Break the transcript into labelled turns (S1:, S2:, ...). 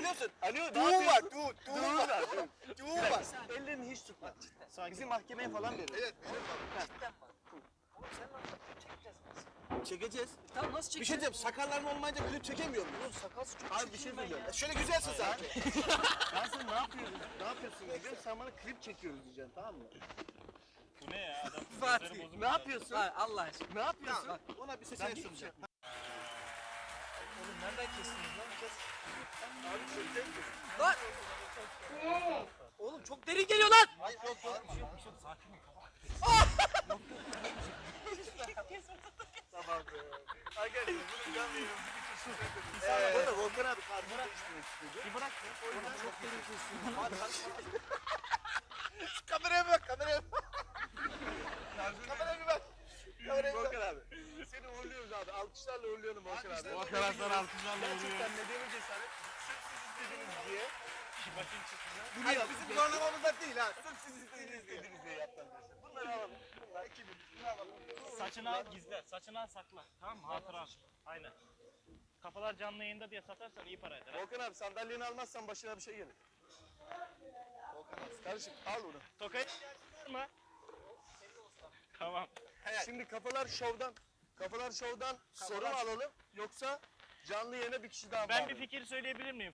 S1: biliyor musun?
S2: Alo,
S1: Duğu var, duğu var.
S2: Ellerini hiç tutma. Bizi mahkemeye falan verir.
S1: Evet,
S3: Cidden bak. Oğlum sen lan çekeceğiz biz.
S1: çekeceğiz.
S3: Tamam nasıl
S1: Bir şey
S3: çekeceğiz?
S1: diyeceğim, sakalların olmayınca klip çekemiyor muyuz?
S3: Oğlum sakalsız çok
S2: Abi bir şey
S3: çirkin ben
S2: söyleyeceğim.
S3: ya.
S1: Şöyle güzelsin sen.
S2: Ben sana ne yapıyorsun? Ne yapıyorsun diyeceğim. Sen bana klip çekiyoruz diyeceksin, tamam mı?
S4: Bu ne ya adam?
S3: Fatih,
S4: gözleri bozuk
S2: Ne
S4: ya.
S2: yapıyorsun?
S3: Ha, Allah aşkına.
S2: Ne yapıyorsun?
S1: Tamam, ona bir seçenek sunacağım.
S3: Oğlum nereden kestiniz lan? Kes.
S2: Abi çekecek misin?
S3: Lan! Oğlum çok derin geliyor lan!
S1: Hayır, yok, yok.
S2: Tamam be. Arkadaşlar bunu canlı yayın
S1: Bu arada Volkan abi kartını değiştirmek istedi.
S4: Bir bırak ya.
S3: Çok derin kestiniz.
S1: Kameraya bak, kameraya bak. Kameraya bir bak. Kameraya bir bak.
S2: Volkan abi. Seni uğurluyoruz abi. Alkışlarla uğurluyorum Volkan abi.
S1: Alkışlarla.
S4: Volkan Aslan alkışlarla vuruyor.
S2: Gerçekten nedeni cesaret. Sırf siz istediniz diye.
S4: Başın çıksın.
S1: Hayır, bizim zorlamamızda değil ha. Sırf siz istediğiniz diye.
S2: İstediniz diye yaptım arkadaşlar. Bunları alalım. Bunlar 2000. Bunu alalım.
S4: Saçını al gizle. Saçını al sakla. Tamam mı? Hatıra al. Aynen. Kafalar canlı yayında diye satarsan iyi para eder.
S2: Volkan abi sandalyeni almazsan başına bir şey gelir. Volkan abi. Kardeşim al bunu.
S4: Tokayı mı? Tamam.
S2: Şimdi kafalar şovdan soru mu alalım yoksa canlı yayına bir kişi daha
S4: Ben bir
S2: bağlayalım?
S4: fikir söyleyebilir miyim?